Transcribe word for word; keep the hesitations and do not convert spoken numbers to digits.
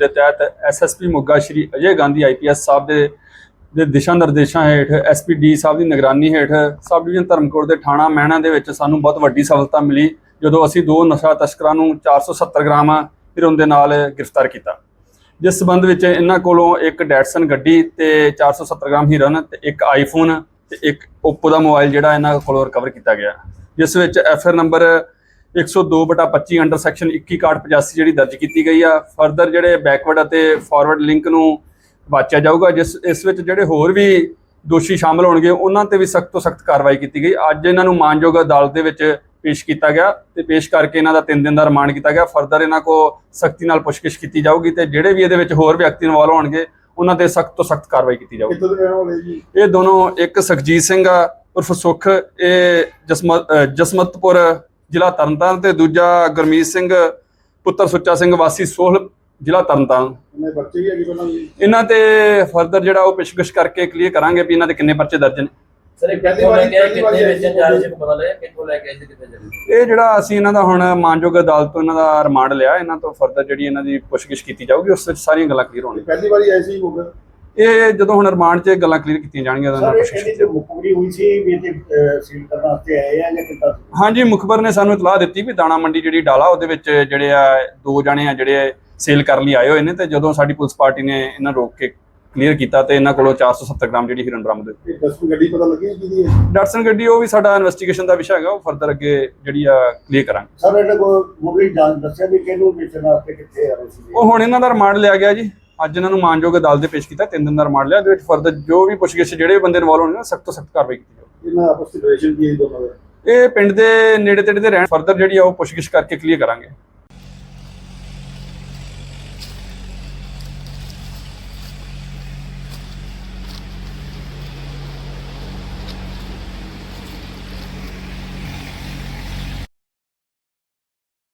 ਦੇ ਤਹਿਤ SSP Moga Shri Ajay Gandhi IPS ਸਾਹਿਬ ਦੇ ਦੇ ਦਿਸ਼ਾ ਨਿਰਦੇਸ਼ਾਂ ਹੇਠ ਐਸਪੀ ਡੀ ਸਾਹਿਬ ਦੀ ਨਿਗਰਾਨੀ ਹੇਠ ਸਬ ਡਿਵੀਜ਼ਨ ਧਰਮਕੋਟ ਦੇ ਥਾਣਾ ਮਹਿਣਾ ਦੇ ਵਿੱਚ ਸਾਨੂੰ ਬਹੁਤ ਵੱਡੀ ਸਫਲਤਾ ਮਿਲੀ ਜਦੋਂ ਅਸੀਂ ਦੋ ਨਸ਼ਾ ਤਸਕਰਾਂ ਨੂੰ ਚਾਰ ਸੌ ਸੱਤਰ ਗ੍ਰਾਮ ਹੀਰੋਇਨ ਦੇ ਨਾਲ ਗ੍ਰਿਫਤਾਰ ਕੀਤਾ। ਜਿਸ ਸੰਬੰਧ ਵਿੱਚ ਇਹਨਾਂ ਕੋਲੋਂ ਇੱਕ ਡੈਟਸਨ ਗੱਡੀ ਤੇ ਚਾਰ ਸੌ ਸੱਤਰ ਗ੍ਰਾਮ ਹੀਰੋਇਨ ਤੇ ਇੱਕ ਆਈਫੋਨ ਤੇ ਇੱਕ ਓਪੋ ਦਾ ਮੋਬਾਈਲ ਜਿਹੜਾ ਇਹਨਾਂ ਕੋਲੋਂ ਰਿਕਵਰ ਕੀਤਾ ਗਿਆ, ਜਿਸ ਵਿੱਚ ਐਫ ਆਰ ਨੰਬਰ ਇੱਕ ਸੌ ਦੋ ਬਟਾ ਪੱਚੀ ਅੰਡਰ ਸੈਕਸ਼ਨ ਇੱਕੀ ਇਕਾਹਠ ਪਚਾਸੀ ਜਿਹੜੀ ਦਰਜ ਕੀਤੀ ਗਈ ਆ। ਫਰਦਰ ਜਿਹੜੇ ਬੈਕਵਰਡ ਅਤੇ ਫਾਰਵਰਡ ਲਿੰਕ ਨੂੰ ਵਾਚਿਆ ਜਾਊਗਾ, ਜਿਸ ਇਸ ਵਿੱਚ ਜਿਹੜੇ ਹੋਰ ਵੀ ਦੋਸ਼ੀ ਸ਼ਾਮਲ ਹੋਣਗੇ ਉਹਨਾਂ ਤੇ ਵੀ ਸਖਤ ਤੋਂ ਸਖਤ ਕਾਰਵਾਈ ਕੀਤੀ ਗਈ। ਅੱਜ ਇਹਨਾਂ ਨੂੰ ਮਾਨਯੋਗ ਅਦਾਲਤ ਦੇ ਵਿੱਚ ਪੇਸ਼ ਕੀਤਾ ਗਿਆ ਤੇ ਪੇਸ਼ ਕਰਕੇ ਇਹਨਾਂ ਦਾ ਤਿੰਨ ਦਿਨ ਦਾ ਰਿਮਾਂਡ ਕੀਤਾ ਗਿਆ। ਫਰਦਰ ਇਹਨਾਂ ਕੋ ਸਖਤੀ ਨਾਲ ਪੁੱਛਗਿੱਛ ਕੀਤੀ ਜਾਊਗੀ ਤੇ ਜਿਹੜੇ ਵੀ ਇਹਦੇ ਵਿੱਚ ਹੋਰ ਵਿਅਕਤੀ ਇਨਵੋਲਵ ਹੋਣਗੇ ਉਹਨਾਂ ਤੇ ਸਖਤ ਤੋਂ ਸਖਤ ਕਾਰਵਾਈ ਕੀਤੀ ਜਾਊਗੀ। ਇਹ ਦੋਨੋਂ ਇੱਕ ਸੁਖਜੀਤ ਸਿੰਘ ਆ ਉਰਫ ਸੁਖ, ਇਹ ਜਸਮਤ ਜਸਮਤਪੁਰ ਜ਼ਿਲ੍ਹਾ ਤਰਨਤਾਰਨ ਤੇ ਦੂਜਾ ਗੁਰਮੀਤ ਸਿੰਘ ਪੁੱਤਰ ਸੁੱਚਾ ਸਿੰਘ ਵਾਸੀ ਸੋਹਲ ਜ਼ਿਲ੍ਹਾ ਤਰਨਤਾਰਨ। ਇਹਨਾਂ ਤੇ ਫਰਦਰ ਜਿਹੜਾ ਉਹ ਪੁੱਛਗਿੱਛ ਕਰਕੇ ਕਲੀਅਰ ਕਰਾਂਗੇ ਵੀ ਇਹਨਾਂ ਦੇ ਕਿੰਨੇ ਪਰਚੇ ਦਰਜ ਨੇ। ਇਹ ਜਿਹੜਾ ਅਸੀਂ ਇਹਨਾਂ ਦਾ ਹੁਣ ਮਾਨਯੋਗ ਅਦਾਲਤ ਤੋਂ ਇਹਨਾਂ ਦਾ ਰਿਮਾਂਡ ਲਿਆ, ਇਹਨਾਂ ਤੋਂ ਫਰਦਰ ਜਿਹੜੀ ਇਹਨਾਂ ਦੀ ਪੁੱਛਗਿੱਛ ਕੀਤੀ ਜਾਊਗੀ, ਉਸ ਵਿੱਚ ਸਾਰੀਆਂ ਗੱਲਾਂ ਕਲੀਅਰ ਹੋਣਗੀਆਂ। ਪਹਿਲੀ ਵਾਰੀ ਐਸੀ ਹੋ ਗਿਆ ਇਹ ਜਦੋਂ ਹੁਣ ਰਿਮਾਂਡ 'ਚ ਗੱਲਾਂ ਕਲੀਅਰ ਕੀਤੀਆਂ ਜਾਣਗੀਆਂ। ਹਾਂਜੀ, ਮੁਖਬਰ ਨੇ ਸਾਨੂੰ ਇਤਲਾਹ ਦਿੱਤੀ ਵੀ ਦਾਣਾ ਮੰਡੀ ਜਿਹੜੀ ਡਾਲਾ ਉਹਦੇ ਵਿੱਚ ਜਿਹੜੇ ਆ ਦੋ ਜਣੇ ਆ ਜਿਹੜੇ ਸੇਲ ਕਰਨ ਲਈ ਆਏ ਹੋਏ ਨੇ ਤੇ ਜਦੋਂ ਸਾਡੀ ਪੁਲਿਸ ਪਾਰਟੀ ਨੇ ਇਹਨਾਂ ਰੋਕ ਕੇ ਕਲੀਅਰ ਕੀਤਾ ਤੇ ਇਹਨਾਂ ਕੋਲੋਂ ਚਾਰ ਸੌ ਸੱਤਰ ਗ੍ਰਾਮ ਜਿਹੜੀ ਹੀਰੋਇਨ ਬਰਾਮਦ ਹੋਈ। ਡਟਸਨ ਗੱਡੀ ਪਤਾ ਲੱਗੀ ਕਿਹਦੀ ਹੈ? ਡਟਸਨ ਗੱਡੀ ਉਹ ਵੀ ਸਾਡਾ ਇਨਵੈਸਟੀਗੇਸ਼ਨ ਦਾ ਵਿਸ਼ਾ ਹੈਗਾ, ਉਹ ਫਰਦਰ ਅੱਗੇ ਜਿਹੜੀ ਆ ਕਲੀਅਰ ਕਰਾਂਗੇ। ਸਰ ਇਹਨਾਂ ਕੋਲ ਮੁੱਢਲੀ ਜਾਂਚ ਦੱਸਿਆ ਵੀ ਕਿਹਨੂੰ ਵੇਚਣ ਵਾਸਤੇ ਕਿੱਥੇ ਆ ਰਹੇ ਸੀ? ਉਹ ਹੁਣ ਇਹਨਾਂ ਦਾ ਰਿਮਾਂਡ ਲਿਆ ਗਿਆ ਜੀ, ਅੱਜ ਇਹਨਾਂ ਨੂੰ ਮਾਨਯੋਗ ਅਦਾਲਤ ਦੇ ਪੇਸ਼ ਕੀਤਾ, ਤਿੰਨ ਦਿਨ ਦਾ ਰਿਮਾਂਡ ਲਿਆ। ਇਹਦੇ ਵਿੱਚ ਫਰਦਰ ਜੋ ਵੀ ਪੁੱਛਗਿੱਛ ਜਿਹੜੇ ਬੰਦੇ ਇਨਵੋਲਵ ਹੋਣਗੇ ਸਖਤ ਤੋਂ ਸਖਤ ਕਾਰਵਾਈ ਕੀਤੀ ਜਾਊਗੀ। ਇਹਨਾਂ ਆਪਸ ਵਿੱਚ ਰਿਲੇਸ਼ਨ ਕੀ ਹੈ ਦੋਨਾਂ ਦਾ? ਇਹ ਪਿੰਡ ਦੇ ਨੇੜੇ ਤੇੜੇ ਦੇ ਰਹਿਣ, ਫਰਦਰ ਜਿਹੜੀ ਆ ਉਹ ਪੁੱਛਗਿੱਛ ਕਰਕੇ ਕਲੀਅਰ ਕਰਾਂਗੇ।